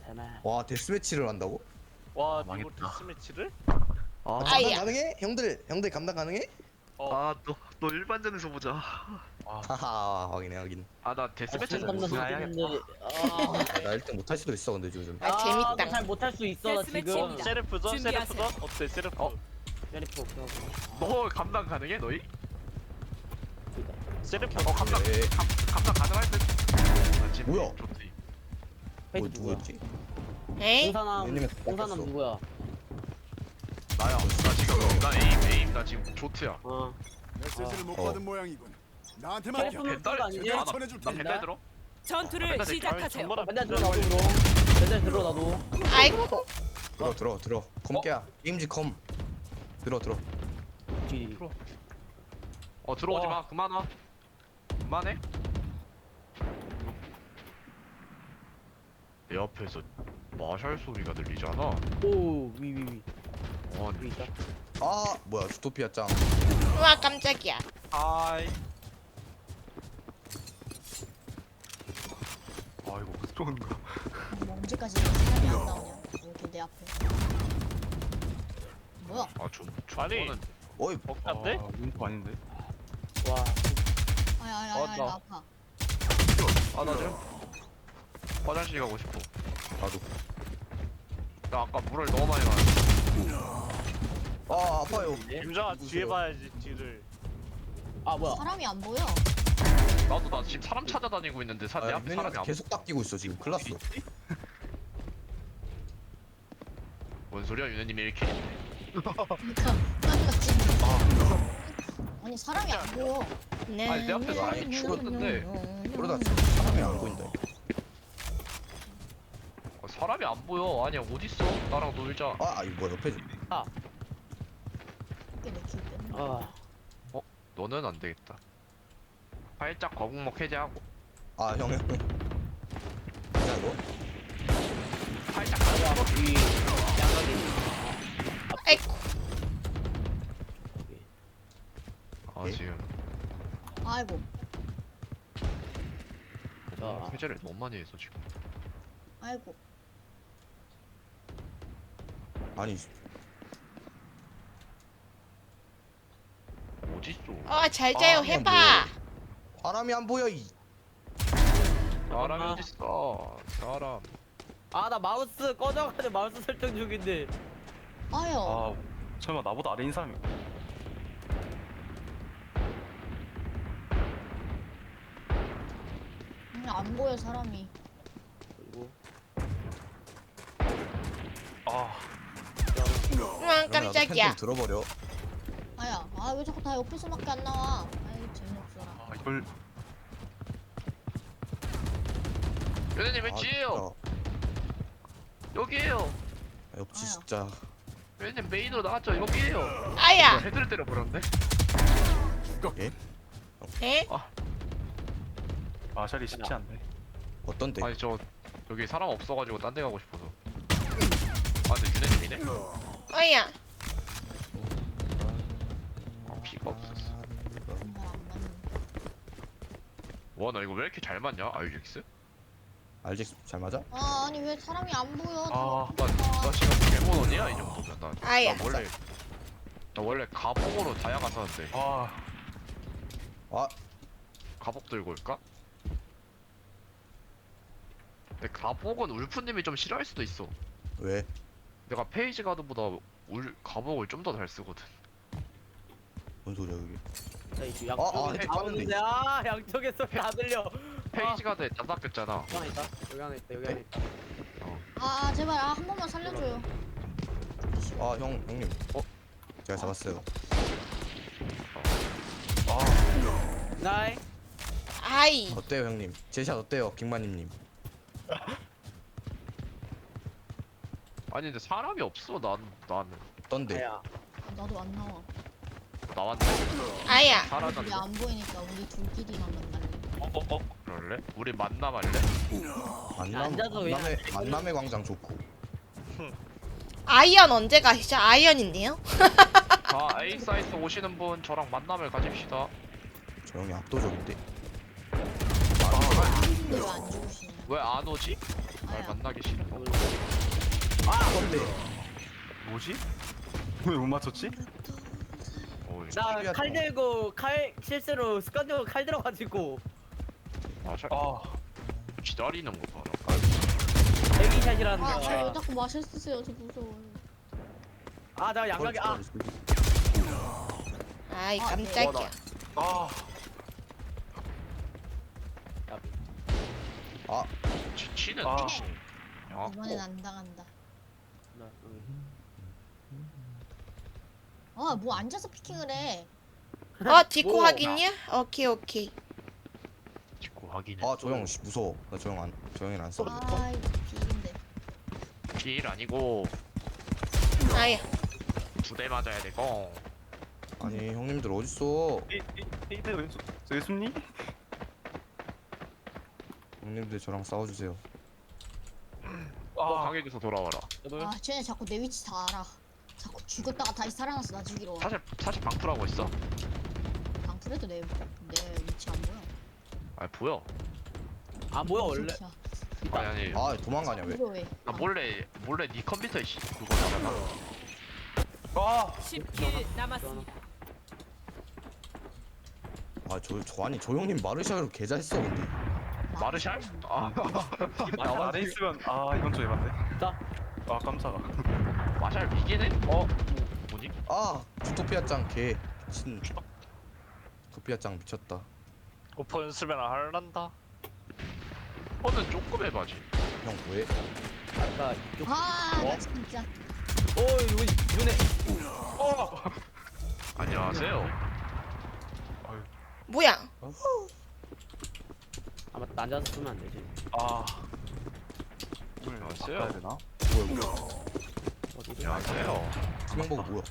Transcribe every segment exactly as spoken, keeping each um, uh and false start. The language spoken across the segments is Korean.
괜찮아. 와 데스매치를 한다고? 와 아, 이거 망했다. 데스매치를? 아, 감당 아이야. 가능해? 형들 형들 감당 가능해? 어 아, 너, 너 일반전에서 보자. 아, 하하 확인해 확인. 아, 나 데스매치에서 아, 우승해야겠다. 근데 아, 나 일 등 못할 수도 있어 근데 요즘. 아, 재밌다. 잘 못할 수 있어 나 지금. 데스매치입니다. 세르프전? 준비하세요. 세르프전? 어때 세르프? 어? 샤리프 없어. 너 감당 가능해, 너희? 세르프 어, 감당, 네. 감, 감당 가능할 듯? 아, 지금 뭐야? 좋지. 뭐 페이지 누구야? 누구였지? 에이? 공사남 왜냐면 공사남 바뀌었어. 누구야? 나야. 나 지금, 나 에임, 에임, 나 지금 조트야. 어. 메시지를 못 어. 받은 모양이군. 나한테 맡겨. 셀프는 벤달? 그거 아니지? 아, 나, 전해줄 나 테니까. 벤달 들어? 전투를 맨날 시작하세요. 정말 맨날 들어 나도 그럼. 맨날 들어 나도. 아이고. 들어 들어 들어. 컴깨야. 게임지 컴. 들어 들어. 뒤. 어, 들어오지 와. 마. 그만 와. 그만해. 내 앞에서 마샬 소리가 들리잖아. 오 위위위. 위 아니, 있다. 아 뭐야 주토피아 짱. 우와 깜짝이야. 하이. 아이고, 쏜가. 뭐 언제까지 사람이 안 나오냐? 이렇게 내 앞에. 뭐야? 아, 좀, 아니. 저거는 어이 벅한데? 문구 아닌데? 와. 아야 아야 어, 아야 나. 나 아파. 아, 나 지금 화장실 가고 싶어. 나도. 나 아까 물을 너무 많이 마셨어. 아 아파요. 김정아 뒤에 봐야지 뒤를. 아 뭐야? 사람이 안 보여. 나도 나 지금 사람 찾아다니고 있는데 사, 내 아, 앞에 사람이 사람이 안 계속 닦이고 있어 지금. 큰일 났어. 뭔 소리야, 유네님이 이렇게. 그러니까 그러니까 지금. 아니 사람이 안 보여. 네. 아니, 내 앞에서 아니, 죽었는데. 그러다 진짜 사람이 안 보인다. 어, 사람이 안 보여. 아니야, 어딨어? 나랑 놀자. 아 이거 뭐야 옆에 좀. 이게 내킬 때. 아. 너는 안 되겠다. 살짝 거북목 해제하고. 아 형 형. 뭐야 이거? 살짝 야 위. 양각이. 아이고. 아, 예? 지금 아이고 자. 해제를 너무 많이 해서 지금. 아이고. 아니 어딨어? 어잘 자요 아, 해봐. 사람이 안 보여 이. 사람이 엄마. 어딨어? 사람. 아 나 마우스 꺼져가지고 마우스 설정 중인데. 아야. 아 설마 나보다 아래인 사람이 그냥 안 보여 사람이. 그리고 아 우와 그러면 나도 펜 깜짝이야. 좀 들어버려. 아야. 아 왜 자꾸 다 옆에서밖에 안 나와? 아이 재미없어라. 아, 이걸 유네님 왜 아, 뒤에요? 여기에요. 진짜. 옆지 아야. 진짜. 유네님 메인으로 나왔죠? 여기에요. 아야. 헤드를 때려버렸네. 에? 마샬이 쉽지 않네. 어떤데? 아니 저 여기 사람 없어가지고 딴 데 가고 싶어서. 아 근데 유네님이네? 어야. 아 피가 없었어. 정말 안 맞는. 와 나 이거 왜 이렇게 잘 맞냐? 아유젝스? 알지 잘 맞아? 아 아니 왜 사람이 안 보여? 아, 나, 나 지금 개모넌이야 이 정도면. 나, 아야. 나 원래 나 원래 가복으로 다이아가 썼는데 아 아 가복 들고 올까? 근데 가복은 울프님이 좀 싫어할 수도 있어. 왜? 내가 페이지 가드보다 울 가복을 좀 더 잘 쓰거든. 뭔 소리야 여기? 자 이제 아, 아, 양쪽에 헤드 다 깠는데. 오는데 아 양쪽에서 다 들려. 페이지 가드에 다 닦였잖아. 여기 하나 있다. 여기 하나 있다. 여기 하나 있다. 아, 아 제발 아 한 번만 살려줘요. 아 형 형님. 어? 제가 잡았어요. 나이. 아이. 어때요 형님? 제샷 어때요 킹마님님? 아니 근데 사람이 없어. 난 나는 어떤데? 아야. 나도 안 나와. 나왔네. 아야. 우리 사라졌네. 안 보이니까 우리 둘끼리만 만날래. 어, 어, 어. 그럴래? 우리 만남할래? 만남 앉아서 그냥 만남의 만남의 광장 좋고. 아이언 언제 가시죠? 아이언인데요? 자 A 사이트 오시는 분 저랑 만남을 가집시다. 저 형이 압도적인데. 근데 왜 안 죽으시냐? 왜 안 오지? 날 아야. 만나기 싫어. 여기 했는데 뭐지? 왜 못 맞췄지? 어, 나 칼 들고 칼 실수로 습관적으로 칼 들어가지고 마샬 아 기다리는 거 봐라. 대기샷이라는 아, 아, 왜 거. 자꾸 마실 쓰세요? 저 무서워요. 아, 나 양각이 아, 아이 아, 깜짝이야. 아 아 치, 치는 아. 야, 이번엔 안 당한다. 나, 음. 아, 뭐 앉아서 피킹을 해. 어 디코 뭐, 확인이야? 오케이 오케이. 직구 확인해. 아 저 형 무서워. 나 저 형 안 저 형이 안 써. 아, 이거 비인데. 필 아니고 아야. 두 대 맞아야 되고. 아니 형님들 어딨어? 에이드 왼수 왼수니? 형님들 저랑 싸워주세요. 어, 아 강에게서 돌아와라. 아, 쟤네 자꾸 내 위치 다 알아. 자꾸 죽었다가 다시 살아나서 나 죽이러 와. 사실 사실 방풀하고 있어. 방풀해도 내, 내 위치 안 보여. 아 보여. 아 뭐야 원래? 진짜. 아니 아니. 아 도망가냐 왜? 이거 왜? 나 몰래 몰래 네 컴퓨터에 씨 그거 나잖아. 아 십 킬 남았습니다. 아저 저 아니 저 형님 마르샤로 개 잘했어 근데. 나- 마르샬? 아 나 안에 있으면 아 이건 좀 에반데. 자. 아 깜짝아. 마샬 미개네? 어 뭐지? 아 주토피아 짱개 미친. 주토피아 짱 미쳤다. 오퍼 연습이나 할란다. 어는 조금 해봐지. 형 왜? 아까 이쪽. 아, 어? 나 진짜. 오, 이거 이번에 안녕하세요. 뭐야? 아마 앉아서 쓰면 안 되지. 아 안녕하세요. 바꿔야 되나? 뭐야 뭐야? 어디? 안녕하세요. 투명버그 뭐야?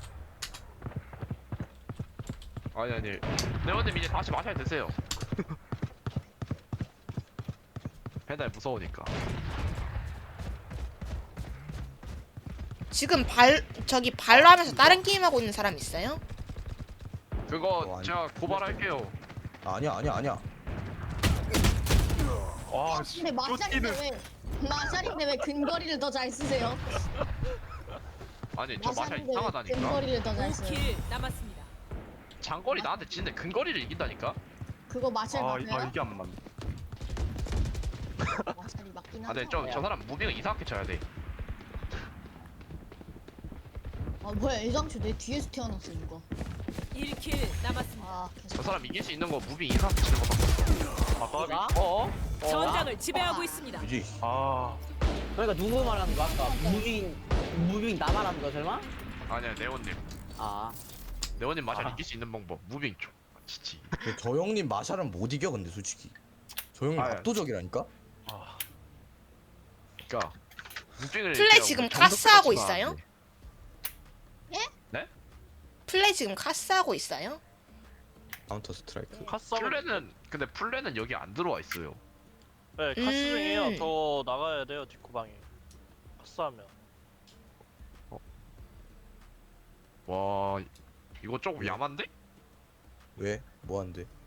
아니 아니. 네오님 이제 다시 마샬 드세요. 배달 무서우니까. 지금 발 저기 발로 하면서 다른 게임 하고 있는 사람 있어요? 그거 어, 아니. 제가 고발할게요. 아니야 아니야 아니야. 아 씨. 근데 마샬인데 왜? 마샬인데 왜 근거리를 더 잘 쓰세요? 아니 저 마샬 마샬인데 왜 이상하다니까. 근거리를 더 잘 오 써요? 킬 남았습니다. 장거리 나한테 치는데 근거리를 이긴다니까. 그거 마샬 아, 이- 맞아요? 아 이게 안 맞네. 마샬이 맞긴 아 하죠. 근데 저, 저 사람 무빙을 이상하게 쳐야 돼. 아 뭐야, 애장초 내 뒤에서 태어났어 이거. 일 킬 남았습니다. 아 저 계속. 사람 이길 수 있는 거 무빙 이상하게 치는 거밖에 없어. 아 까비. 나? 어? 어? 전장을 지배하고 있습니다. 유지. 아 그러니까 누구 말하는 거야? 아까 무빙 무빙 나 말하는 거 설마? 아니야 네오님. 아, 네오님 마샬 아. 이길 수 있는 방법 무빙 쪽. 치치. 근데 저 형님 마샬은 못 이겨 근데 솔직히. 저 형님 아, 압도적이라니까? 아. 그니까 무빙을. 플레이 그냥 지금 정석 카스하고 치면 안 있어요? 돼. 플레이 지금 카스하고 있어요? 카운터 스트라이크. 카스 플레는 근데 플레는 여기 안 들어와 있어요. 네 카스 음. 중이에요. 더 나가야 돼요 뒷구방에. 카스하면. 와 이거 조금 야만데? 왜? 뭐 한대?